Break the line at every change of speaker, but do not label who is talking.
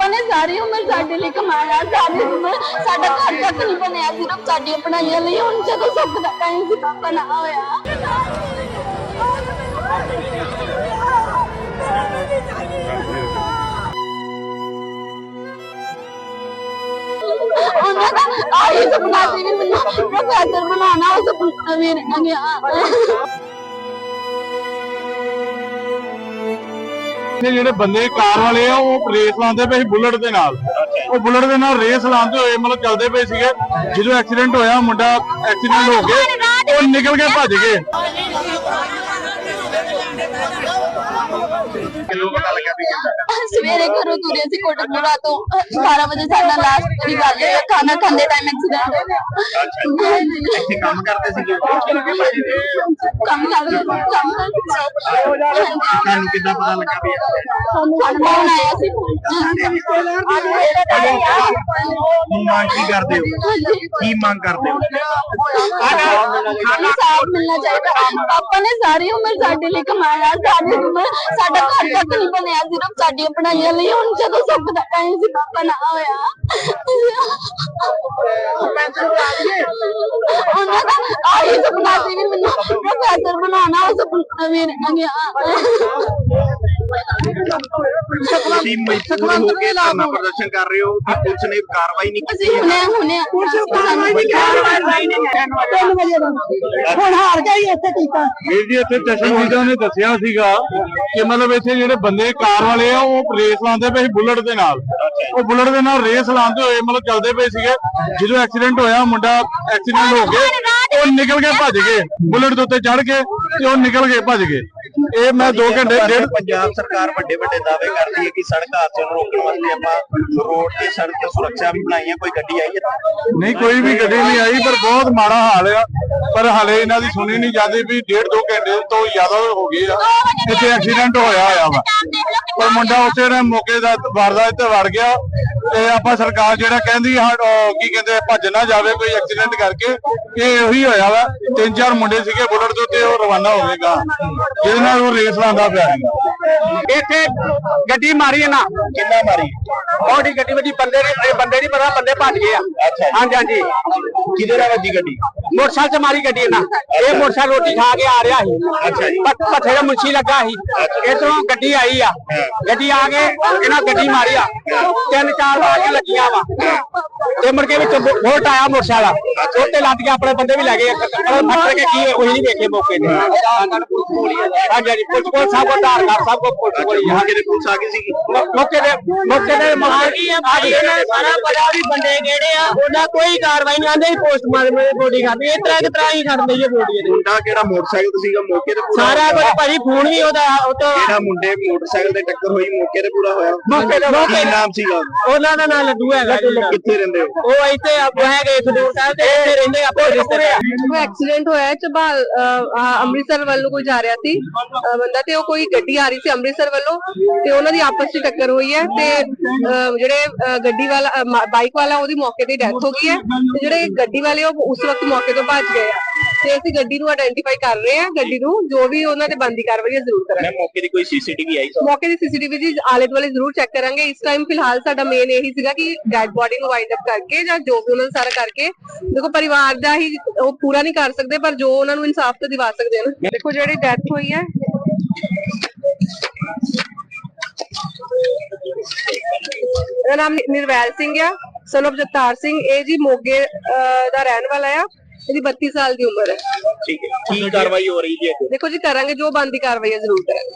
ने सारी उम्र साडे लिए कमाया, सारी उम्र साडा घर तक नहीं बनया, सिर्फ साडियां पढ़ाइयां लिए। हुण जदों सुख दा टाइम सी पापा ना होया, उन्हां दा आही सपना सी भी मैनूं प्रोफेसर बनाना, उस सपना मेरे ना गया।
ਜਿਹੜੇ ਬੰਦੇ ਕਾਰ ਵਾਲੇ ਆ ਉਹ ਰੇਸ ਲਾਉਂਦੇ ਪਏ ਸੀ ਬੁਲਟ ਦੇ ਨਾਲ। ਉਹ ਬੁਲਟ ਦੇ ਨਾਲ ਰੇਸ ਲਾਉਂਦੇ ਹੋਏ ਮਤਲਬ ਚੱਲਦੇ ਪਏ ਸੀਗੇ। ਜਦੋਂ ਐਕਸੀਡੈਂਟ ਹੋਇਆ, ਮੁੰਡਾ ਐਕਸੀਡੈਂਟ ਹੋ ਕੇ ਉਹ ਨਿਕਲ ਕੇ ਭੱਜ ਗਏ।
सवेरे घरों तुरे सी कोटकपुरा तो 12 बजे साडा लास्ट वाली गल है, खाना खांदे टाइम एक्सीडेंट हो गया।
ਇੱਥੇ ਕੰਮ ਕਰਦੇ ਸੀਗੇ
काम कर
ਤੁਹਾਨੂੰ ਕਿੱਦਾਂ ਪਤਾ ਲੱਗਾ ਵੀ
फोन आया सी।
ਹੁਣ ਮੰਗ ਕੀ ਕਰਦੇ ਹੋ? ਕੀ ਮੰਗ ਕਰਦੇ हो?
इंसाफ मिलना चाहिए। पापा ने सारी उम्र साडे लिए कमाया, सारी उम्र साडा घर तक नहीं बनया, सिर्फ साडियां पढ़ाइयां लिए। हुण जदों सुख दा टाइम सी पापा ना होया, उन्हां दा आही सपना सी भी मैनूं प्रोफेसर बनाना, उस सपना मेरे ना गया।
ਤੁਸੀਂ ਮਜਬੂਰ ਹੋ ਕੇ ਧਰਨਾ ਪ੍ਰਦਰਸ਼ਨ ਕਰ ਰਹੇ ਹੋ ਕਿ ਪੁਲਿਸ ਨੇ ਕਾਰਵਾਈ ਨਹੀਂ ਕੀਤੀ ਹੈ?
ਹੁਣੇ
ਹੁਣ ਹਾਰ ਗਈ ਇੱਥੇ ਕੀਤਾ।
ਵੀਰ ਜੀ ਇੱਥੇ ਚਸ਼ਮਦੀਦਾਂ ਨੇ ਦੱਸਿਆ ਸੀਗਾ ਕਿ ਮਤਲਬ ਇੱਥੇ ਜਿਹੜੇ ਬੰਦੇ ਕਾਰ ਵਾਲੇ ਆ ਉਹ ਰੇਸ ਲਾਉਂਦੇ ਪਏ ਸੀ ਬੁਲਟ ਦੇ ਨਾਲ। ਉਹ ਬੁਲਟ ਦੇ ਨਾਲ ਰੇਸ ਲਾਉਂਦੇ ਹੋਏ ਮਤਲਬ ਚੱਲਦੇ ਪਏ ਸੀਗੇ। ਜਦੋਂ ਐਕਸੀਡੈਂਟ ਹੋਇਆ, ਮੁੰਡਾ ਐਕਸੀਡੈਂਟ ਹੋ ਕੇ ਉਹ ਨਿਕਲ ਕੇ ਭੱਜ ਗਏ। ਬੁਲਟ ਦੇ ਉੱਤੇ ਚੜ ਕੇ ਤੇ ਉਹ ਨਿਕਲ ਕੇ ਭੱਜ ਗਏ। ਇਹ ਮੈਂ 2 ਘੰਟੇ ਡੇਢ
ਪੰਜਾਬ ਸਰਕਾਰ ਵੱਡੇ ਵੱਡੇ ਦਾਅਵੇ ਕਰਦੀ ਹੈ ਕਿ ਸੜਕ ਹਾਦਸੇ ਨੂੰ ਰੋਕਣ ਵਾਸਤੇ ਆਪਾਂ ਰੋਡ ਤੇ ਸੜਕ ਤੇ ਸੁਰੱਖਿਆ ਵੀ ਬਣਾਈ ਹੈ। ਕੋਈ ਗੱਡੀ ਆਈ ਹੈ?
ਨਹੀਂ, ਕੋਈ ਵੀ ਗੱਡੀ ਨਹੀਂ ਆਈ, ਪਰ ਬਹੁਤ ਮਾੜਾ ਹਾਲ ਆ। ਪਰ ਹਲੇ ਇਹਨਾਂ ਦੀ ਸੁਣੀ ਨਹੀਂ ਜਾਂਦੀ ਵੀ 1.5-2 ਘੰਟੇ ਤੋਂ ਜ਼ਿਆਦਾ ਹੋ ਗਏ ਆ ਇੱਥੇ ਐਕਸੀਡੈਂਟ ਹੋਇਆ ਵਾ। ਪਰ ਮੁੰਡਾ ਉਸੇ ਨੇ ਮੌਕੇ ਦਾ ਵਾਰਦਾਤ ਤੇ ਵੜ ਗਿਆ। ਤੇ ਆਪਾਂ ਸਰਕਾਰ ਜਿਹੜਾ ਕਹਿੰਦੀ ਕੀ ਕਹਿੰਦੇ ਭੱਜ ਨਾ ਜਾਵੇ ਕੋਈ ਐਕਸੀਡੈਂਟ ਕਰਕੇ, ਇਹ ਉਹੀ ਹੋਇਆ ਵਾ। 3-4 ਮੁੰਡੇ ਸੀਗੇ ਬੁਲਟ ਦੇ ਉੱਤੇ, ਉਹ ਰਵਾਨਾ ਹੋਵੇਗਾ ਜਿਹਦੇ ਨਾਲ ਉਹ ਰੇਸ ਲਾਉਂਦਾ ਪਿਆ ਸੀ।
ਇੱਥੇ ਗੱਡੀ ਮਾਰੀ ਨਾ।
ਕਿੰਨਾ ਮਾਰੀ?
ਉਹਦੀ ਗੱਡੀ ਵੱਜੀ, ਬੰਦੇ ਨਹੀਂ ਪਤਾ, ਬੰਦੇ ਭੱਜ ਗਏ ਆ। ਹਾਂਜੀ ਹਾਂਜੀ।
ਕਿਹਦੇ ਨਾਲ ਵੱਜੀ ਗੱਡੀ?
ਮੋਟਰਸਾਈਕਲ ਚ ਮਾਰੀ ਗੱਡੀ ਨਾ। ਇਹ ਮੋਟਰਸਾਈਕਲ ਰੋਟੀ ਖਾ ਕੇ ਆ ਰਿਹਾ ਸੀ।
ਅੱਛਾ ਜੀ।
ਪੱਠੇ ਦਾ ਮੁੰਸ਼ੀ ਲੱਗਾ ਸੀ। ਇਧਰੋਂ ਗੱਡੀ ਆਈ ਆ, ਗੱਡੀ ਆ ਕੇ ਇਹਨਾਂ ਗੱਡੀ ਮਾਰੀ ਆ। 3-4 ਵਾਰੀਆਂ ਲੱਗੀਆਂ ਵਾ ਤੇ ਮੁੜ ਕੇ ਵਿੱਚ ਵੋਲਟ ਆਇਆ ਮੋਟਰਸਾਈਕਲ ਉੱਤੇ ਲੱਦ ਕੇ ਆਪਣੇ ਬੰਦੇ ਵੀ ਲੈ ਗਏ। ਫੱਟ ਕੇ ਕੀ ਉਹੀ ਨਹੀਂ ਵੇਖੇ ਮੌਕੇ ਤੇ। ਹਾਂਜੀ ਹਾਂਜੀ। ਪੁਲਿਸ ਸਭ ਕੋ ਧਾਰ ਕਰ, ਸਭ ਕੋ ਪੁਲਿਸ ਕੋਲ ਹੀ ਆ।
ਕਿਹਦੇ ਪੁਲਿਸ ਆ ਗਈ ਸੀ?
ਮੌਕੇ ਤੇ ਮਾਰ ਗਈ ਆ ਭਾਜੀ। ਇਹਨਾਂ ਨੇ ਸਾਰਾ ਪਤਾ ਵੀ ਬੰਦੇ ਕਿਹੜੇ ਆ, ਉਹਨਾਂ ਕੋਈ ਕਾਰਵਾਈ ਨਹੀਂ ਆਂਦੇ। ਪੋਸਟਮਾਰਟਮ ਦੀ ਬੋਡੀ ਖਾਦੀ ਇਸ ਤਰ੍ਹਾਂ ਹੀ ਛੱਡ ਦਈਏ ਬੋਡੀ ਦੇ।
ਮੁੰਡਾ ਕਿਹੜਾ ਮੋਟਰਸਾਈਕਲ ਤੇ ਸੀਗਾ ਮੌਕੇ ਤੇ?
ਸਾਰਾ ਕੁਝ ਭਾਜੀ, ਫੋਨ ਵੀ ਉਹਦਾ
ਜਿਹੜਾ ਮੁੰਡੇ ਮੋਟਰਸਾਈਕਲ ਤੇ ਟੱਕਰ ਹੋਈ ਮੌਕੇ ਤੇ ਪੂਰਾ ਹੋਇਆ? ਕੀ ਨਾਮ ਸੀਗਾ
ਉਹਨਾਂ ਦਾ ਨਾਂ ਲੱਡੂ ਹੈਗਾ।
ਕਿੱਥੇ ਰਹਿੰਦੇ ਹੋ?
ਉਹ ਇੱਥੇ ਹੈਗੇ ਖਡੂਰ ਸਾਹਿਬ ਤੇ ਇੱਥੇ ਰਹਿੰਦੇ ਆਪੋ ਰਿਸ਼ਤੇਦਾਰ।
ਐਕਸੀਡੈਂਟ ਹੋਇਆ ਚਬਾਲ ਅੰਮ੍ਰਿਤਸਰ ਵੱਲ ਨੂੰ ਕੋਈ ਜਾ ਰਿਹਾ ਸੀ ਬੰਦਾ, ਤੇ ਉਹ ਕੋਈ ਗੱਡੀ ਆ ਰਹੀ ਸੀ ਅੰਮ੍ਰਿਤਸਰ ਵੱਲੋਂ, ਤੇ ਉਹਨਾਂ ਦੀ ਆਪਸ ਵਿੱਚ ਟੱਕਰ ਹੋਈ ਹੈ। ਤੇ ਜਿਹੜੇ ਗੱਡੀ ਵਾਲਾ ਬਾਈਕ ਵਾਲਾ ਉਹਦੀ ਮੌਕੇ ਤੇ ਡੈਥ ਹੋ ਗਈ ਹੈ, ਤੇ ਜਿਹੜੇ ਗੱਡੀ ਵਾਲੇ ਉਹ ਉਸ ਵਕਤ ਮੌਕੇ ਤੋਂ ਭੱਜ ਗਏ ਆ। ਤੇ ਅਸੀਂ ਗੱਡੀ ਨੂੰ ਆਇਡੈਂਟੀਫਾਈ ਕਰ ਰਹੇ ਹਾਂ। ਗੱਡੀ ਨੂੰ ਜੋ ਵੀ ਉਹਨਾਂ ਤੇ ਬਣਦੀ ਕਾਰਵਾਈ ਹੈ ਜ਼ਰੂਰ ਕਰਾਂਗੇ।
ਮੌਕੇ ਦੀ ਕੋਈ ਸੀਸੀਟੀਵੀ ਆਈ?
ਮੌਕੇ ਦੀ ਸੀਸੀਟੀਵੀ ਦੀ ਆਲੇ ਦੁਆਲੇ ਜ਼ਰੂਰ ਚੈੱਕ ਕਰਾਂਗੇ। ਇਸ ਟਾਈਮ ਫਿਲਹਾਲ ਸਾਡਾ ਮੇਨ ਇਹੀ ਸੀਗਾ ਕਿ ਡੈਡ ਬੋਡੀ ਨੂੰ ਵਾਈਂਡ ਅਪ ਕਰਕੇ ਜਾਂ ਜੋ ਵੀ ਉਹਨਾਂ ਨੂੰ ਸਾਰਾ ਕਰਕੇ, ਦੇਖੋ ਪਰਿਵਾਰ ਦਾ ਹੀ ਉਹ ਪੂਰਾ ਨਹੀਂ ਕਰ ਸਕਦੇ, ਪਰ ਜੋ ਉਹਨਾਂ ਨੂੰ ਇਨਸਾਫ ਤਾਂ ਦਿਵਾ ਸਕਦੇ ਨੇ। ਦੇਖੋ ਜਿਹੜੀ ਡੈਥ ਹੋਈ ਹੈ, ਇਹਦਾ ਨਾਮ ਨਿਰਵੈਲ ਸਿੰਘ ਆ, ਸਨ ਆਫ ਜਗਤਾਰ ਸਿੰਘ। ਇਹ ਜੀ ਮੋਗੇ ਦਾ ਰਹਿਣ ਵਾਲਾ ਆ। ਇਹਦੀ 32 ਸਾਲ ਦੀ ਉਮਰ ਹੈ।
ਠੀਕ ਹੈ। ਕੀ ਕਾਰਵਾਈ ਹੋ ਰਹੀ ਹੈ?
ਦੇਖੋ ਜੀ ਕਰਾਂਗੇ, ਜੋ ਬਣਦੀ ਕਾਰਵਾਈ ਹੈ ਜ਼ਰੂਰ ਕਰਾਂਗੇ।